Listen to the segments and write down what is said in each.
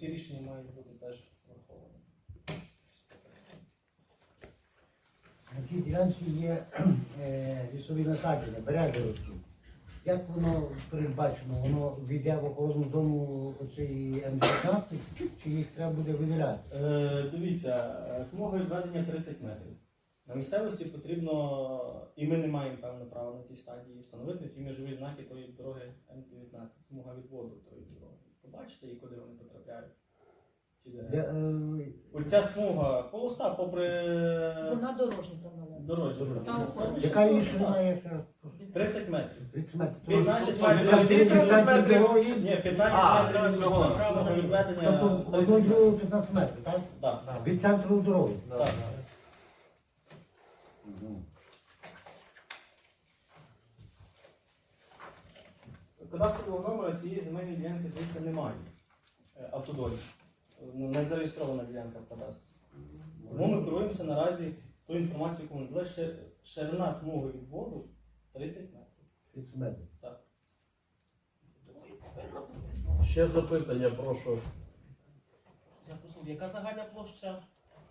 ці рішення мають бути теж враховані. На цій ділянці є лісові насадження, берези ростуть. Як воно передбачено? Воно війде в охоронну зону оцеї М19, чи їх треба буде виділяти? Дивіться, смуга відведення 30 метрів. На місцевості потрібно, і ми не маємо певне права на цій стадії встановити ті межові знаки тої дороги М19, смуга відводу тої дороги. Побачите, і куди вони потрапляють? Оця смуга, полоса попри Вона дорожня дорожню. Яка її ширина є? 30 метрів. 30 метрів. 15 Яка метрів. 70 метрів дороги? Ні, 15 метрів всього. Смуга відведення. Тобто одну другу 15 метрів, так? Так. Від центру дороги. Так. Кадастрового номера цієї земельної ділянки звідси немає. Автодолі. Не зареєстрована ділянка в кадастрі. Тому ми керуємося наразі ту інформацію, яку ми дали. Ширина смуги відводу 30 метрів. 30 метрів. Так. Ще запитання, прошу. Яка загальна площа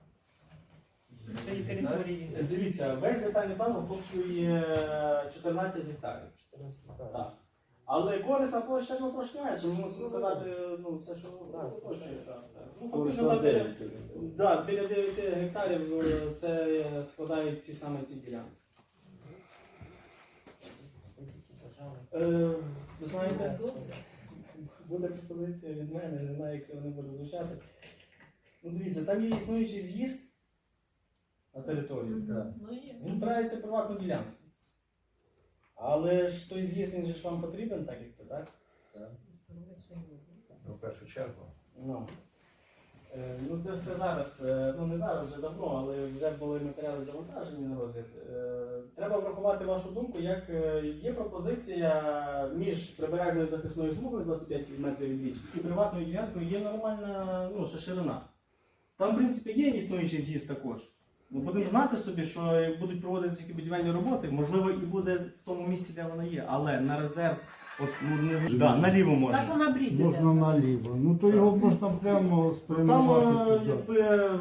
цієї території? Дивіться, весь детальний план охоплює 14 гектарів. Так. Але корисна площа трошки менше, ми мусимо казати, це що охоплює. Ну, фактично, там біля 9 гектарів це складають ці саме ці ділянки. Ви знаєте, буде пропозиція від мене, не знаю, як це вони буде звучати. Ну, дивіться, там є існуючий з'їзд на територію. Він впирається в приватну ділянку. Але ж той з'їзд, він же ж вам потрібен, так як то, так? В першу чергу. Ну це все зараз, не зараз, вже давно, але вже були матеріали завантажені на розгляд. Треба врахувати вашу думку, як є пропозиція між прибережною захисною смугою 25 метрів від річки і приватною ділянкою є нормальна ширина. Там, в принципі, є існуючий з'їзд також. Ми будемо знати собі, що як будуть проводитися які будівельні роботи, можливо, і буде в тому місці, де вона є, але на резерв, наліво можна. Та що на брід іде? Можна наліво. Ну то його можна прямо спрямувати туди. Якби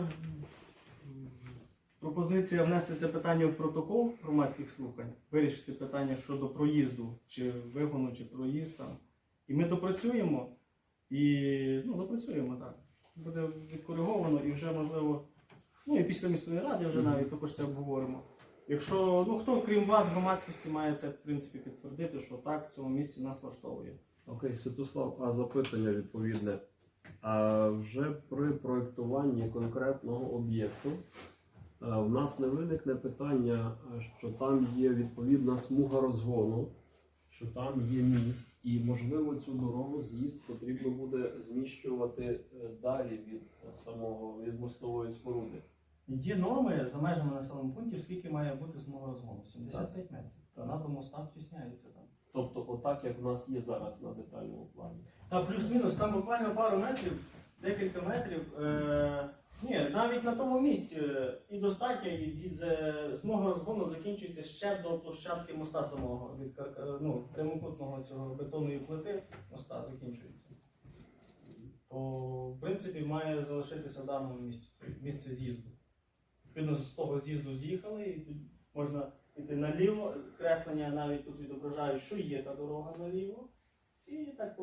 пропозиція внести це питання в протокол громадських слухань, вирішити питання щодо проїзду, чи вигону, чи проїзд там. І ми допрацюємо, допрацюємо, так. Буде відкориговано і вже можливо, і після міської ради вже навіть також це обговоримо. Якщо, хто, крім вас, громадськості, має це, в принципі, підтвердити, що так, в цьому місці нас влаштовує. Окей, Святослав, а запитання відповідне. А вже при проєктуванні конкретного об'єкту в нас не виникне питання, що там є відповідна смуга розгону, що там є міст, і, можливо, цю дорогу, з'їзд потрібно буде зміщувати далі від мостової споруди. Є норми за межами населених пунктів, скільки має бути смуга розгону? 75 метрів. Та до моста втісняється там. Тобто, отак, як в нас є зараз на детальному плані. Та плюс-мінус, там буквально пару метрів, декілька метрів. Навіть на тому місці і достатньо, і смуга розгону закінчується ще до площадки моста самого, від прямокутного цього бетонної плити моста закінчується. То, в принципі, має залишитися в даному місці з'їзду. Відповідно, з того з'їзду з'їхали, і тут можна йти наліво, креслення навіть тут відображають, що є та дорога наліво. І так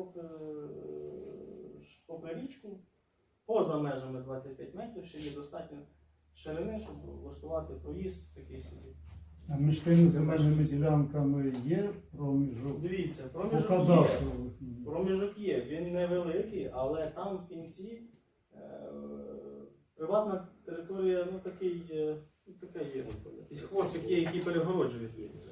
попри річку, поза межами 25 метрів, ще є достатньо ширини, щоб влаштувати проїзд такий собі. А між тими земельними ділянками є проміжок? Дивіться, По проміжок є. кадастрових. Проміжок є, він невеликий, але там в кінці приватна територія, така є, якийсь хвостик є, який перегороджує звідси.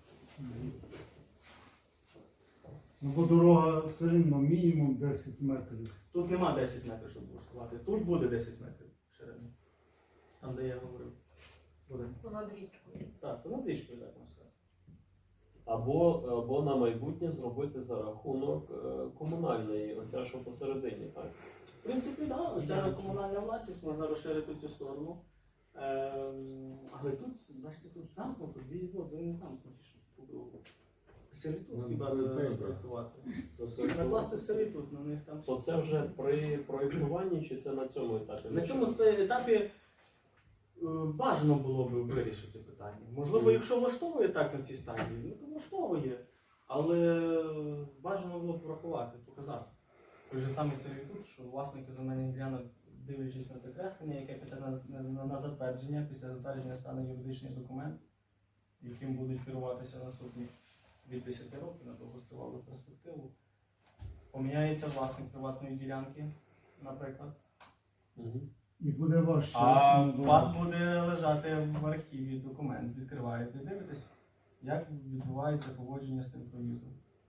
Ну, бо дорога все рівно мінімум 10 метрів. Тут нема 10 метрів, щоб влаштувати. Тут буде 10 метрів ширини. Там, де я говорив. Буде. Понад річкою. Так, понад річкою, так можна сказати. Або на майбутнє зробити за рахунок комунальної, оця що посередині, так? В принципі, так, ця комунальна власність, можна розширити цю сторону. Але тут, бачите, тут замкнуто, дві відводи, не замкнуті по кругу. Сервітут Ну, хіба ну, запроектувати. Накласти сервітут на них там. То це вже при проєктуванні чи це на цьому етапі? На цьому етапі бажано було б вирішити питання. Можливо, якщо влаштовує так на цій стадії, ну то влаштовує. Але бажано було б врахувати, показати. Той же самий сервітут, що власники земельних ділянок, дивлячись на це креслення, яке піде на затвердження, після затвердження стане юридичний документ, яким будуть керуватися наступні від 10 років на довгостривалу перспективу. Поміняється власник приватної ділянки, наприклад. Мгм. І буде важче. А у вас буде лежати в архіві документ, відкриваєте, дивитесь, як відбувається поводження з цим проїздом.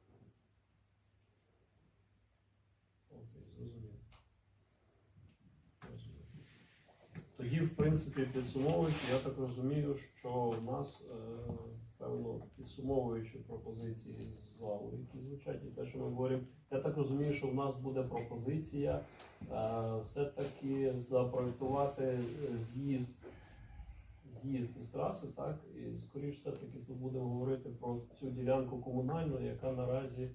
Окей, зрозумів. Тоді, в принципі, підсумовуючи, я так розумію, що в нас, певно, підсумовуючи пропозиції з залу, які звучать, і те, що ми говоримо, я так розумію, що в нас буде пропозиція все-таки запроектувати з'їзд із траси, так? І, скоріш все-таки тут будемо говорити про цю ділянку комунальну, яка наразі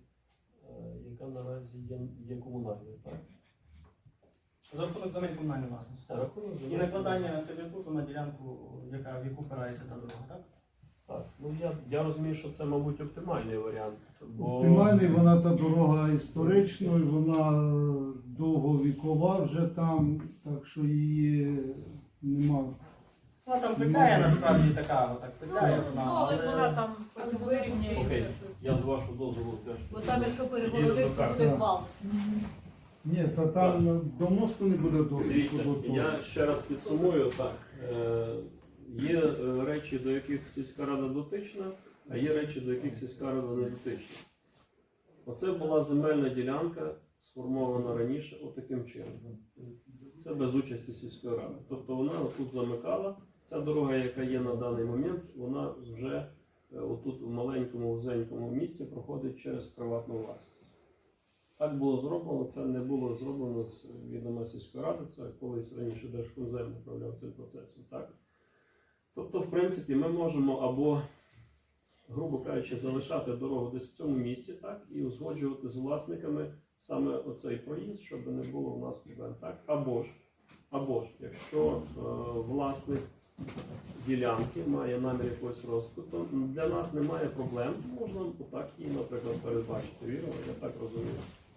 є комунальною, так? За рахунок земель комунальної власності. За рахунок І земель накладання сервітуту на ділянку, в яку опирається та дорога, так? Так, ну я розумію, що це, мабуть, оптимальний варіант. Бо... Оптимальний, вона та дорога історична, і вона довговікова вже там, так що її нема. Вона там петляє насправді така, отак петляє Ну, вона, але вона але там потім вирівняється Окей, щось. я з вашого дозволу теж. Бо там, якщо Їду перегородити, до то карти. буде гвалт. Ні, та там до мосту не буде доступу Дивіться, до того. я ще раз підсумую так. Є речі, до яких сільська рада дотична, а є речі, до яких сільська рада не дотична. Оце була земельна ділянка, сформована раніше отаким чином. Це без участі сільської ради. Тобто вона отут замикала. Ця дорога, яка є на даний момент, вона вже отут в маленькому вузенькому місті проходить через приватну власність. Так було зроблено, це не було зроблено з відома сільської ради, це колись раніше Держкомзем управляв цим процесом. Так? Тобто, в принципі, ми можемо або, грубо кажучи, залишати дорогу десь в цьому місці, так, і узгоджувати з власниками саме оцей проїзд, щоб не було в нас проблем. Так? Або ж, якщо власник ділянки має намір якогось розвитку, то для нас немає проблем, можна отак її, наприклад, передбачити. Вірно, я так розумію.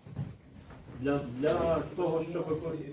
Для того, щоб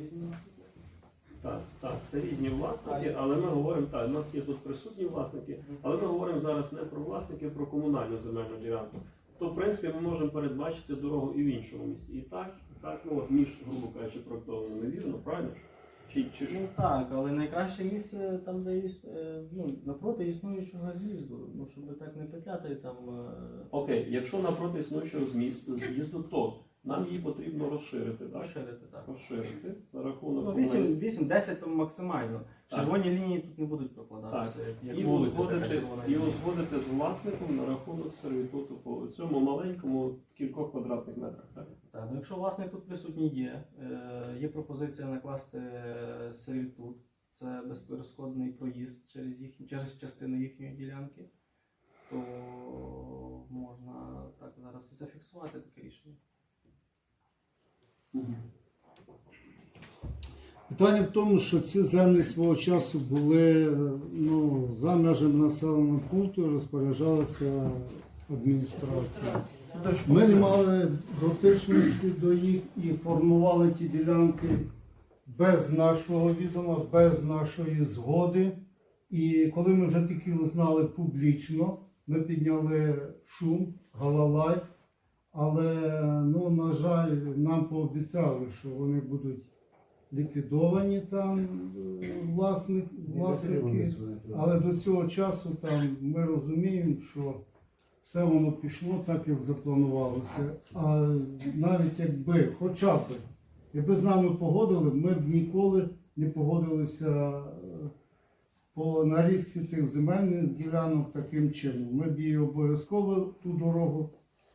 так, це різні власники, але ми говоримо, так, у нас є тут присутні власники, але ми говоримо зараз не про власники, а про комунальну земельну ділянку. То, в принципі, ми можемо передбачити дорогу і в іншому місці. І так, ну от між, грубо кажучи, проектованими, вірно, правильно ж? Чи що? ну так, але найкраще місце там, де напроти існуючого з'їзду, ну щоб так не петляти там. Окей, якщо напроти існуючого з'їзду, то нам її потрібно розширити, так? Розширити, так. Розширити за рахунок Ну, 8-10 там максимально. Так. Червоні лінії тут не будуть прокладатися, як і вулиця така узгодити, червона і лінія. узгодити з власником на рахунок сервітуту по цьому маленькому кількох квадратних метрах. Так? Так, ну якщо власник тут присутній є пропозиція накласти сервітут, це безперешкодний проїзд через частину їхньої ділянки, то можна так зараз і зафіксувати таке рішення. Питання в тому, що ці землі свого часу були за межами населеного пункту, розпоряджалася адміністрація. Ми не мали дотичності до їх і формували ті ділянки без нашого відома, без нашої згоди. І коли ми вже тільки узнали публічно, ми підняли шум, галалай, але, на жаль, нам пообіцяли, що вони будуть ліквідовані там власники, але до цього часу там ми розуміємо, що все воно пішло так, як запланувалося. А навіть якби з нами погодили, ми б ніколи не погодилися по нарізці тих земельних ділянок таким чином. Ми б її обов'язково ту дорогу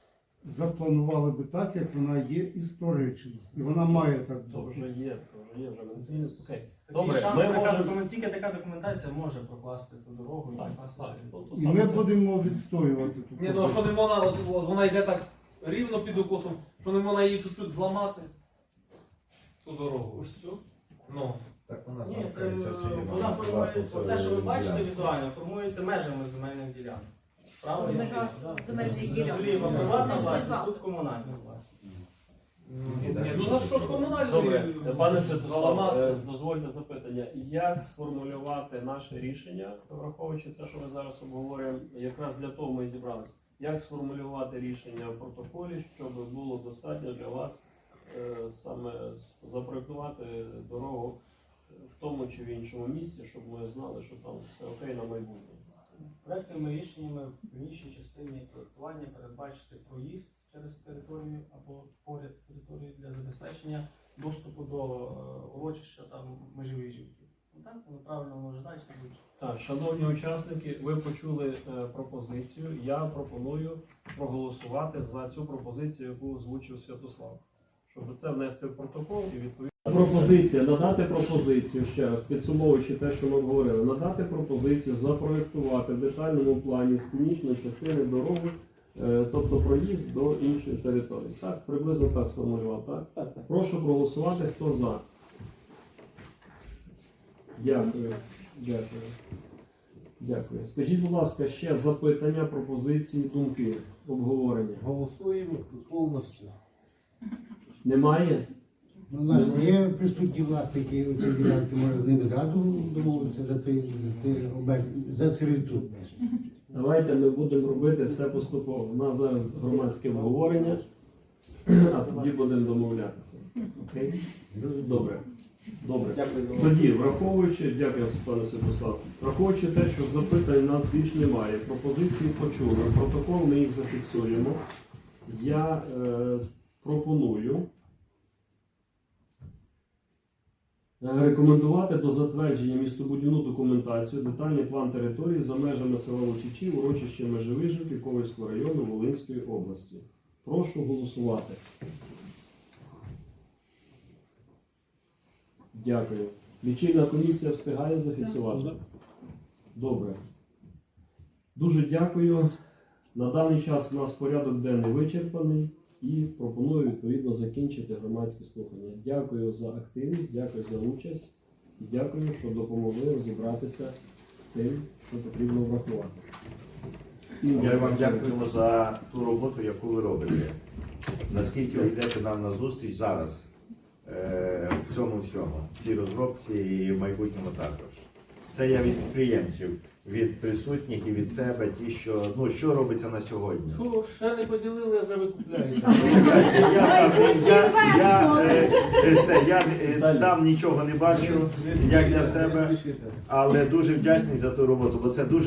запланували би так, як вона є історично. І вона має так То бути. вже є, вже ми не змінили. Окей. Такий Добре, шанс, ми можемо... тільки така документація може прокласти ту дорогу і Так, прокласти так. собі. То І саме ми це. будемо відстоювати ту Ні, ну а позицію. що не можна, от вона йде так рівно під укосом, що не можна її чуть-чуть зламати? Ту дорогу. Ось цю. Ну. Так вона Ні, це замкається всі вона формує, оце, що ви бачите ділянки. візуально, формується межами земельних ділянок. Справа і Межа зліва. земельних ділянок. Зліва приватна Ну, власність, зліва. тут комунальна власність. Ні, ну за що комунальний? Добре, пане Святослав, заламати? дозвольте запитання. Як сформулювати наше рішення, враховуючи це, що ми зараз обговорюємо, якраз для того ми і зібралися. Як сформулювати рішення в протоколі, щоб було достатньо для вас саме запроектувати дорогу в тому чи в іншому місці, щоб ми знали, що там все окей на майбутнє? Проектними рішеннями в іншій частині проектування передбачити проїзд через територію або поряд території для забезпечення доступу до урочища там межовіжівки. Ну так, воно правильно може далі звучить. Так, шановні учасники, ви почули пропозицію. Я пропоную проголосувати за цю пропозицію, яку озвучив Святослав. Щоб це внести в протокол і відповідно. Пропозиція, надати пропозицію, ще раз, підсумовуючи те, що ми говорили, надати пропозицію запроєктувати в детальному плані з північної частини дороги, тобто проїзд до іншої території. Так, приблизно так сформулював, так? Так. Прошу проголосувати, хто за. Дякую. Дякую. Дякую. Скажіть, будь ласка, ще запитання, пропозиції, думки, обговорення. Голосуємо повністю. Немає? Ну, у нас є присутні власники цієї ділянки, може з ними зразу домовитися за сервітут. Давайте ми будемо робити все поступово. У нас зараз громадське обговорення, а тоді будемо домовлятися. Окей? Добре. Добре. Дякую за увагу. Тоді, враховуючи, дякую, пане Святослав, враховуючи те, що запитань у нас більш немає, пропозиції почули, протокол ми їх зафіксуємо. Я пропоную рекомендувати до затвердження містобудівну документацію, детальний план території за межами села Лучичі, урочище Межевижівки Ковальського району Волинської області. Прошу голосувати. Дякую. Лічильна комісія встигає зафіксувати? Добре. Дуже дякую. На даний час у нас порядок денний вичерпаний і пропоную відповідно закінчити громадські слухання. Дякую за активність, дякую за участь і дякую, що допомогли розібратися з тим, що потрібно врахувати. Всім Я вам дякую за ту роботу, яку ви робите. Наскільки ви йдете нам на зустріч зараз в цьому всьому, в цій розробці і в майбутньому також. Це я від підприємців, від присутніх і від себе, ті, що робиться на сьогодні. Фу, ще не поділили, а вже ви купляєте. Чекайте, я там нічого не бачу, як для себе, але дуже вдячний за ту роботу, бо це дуже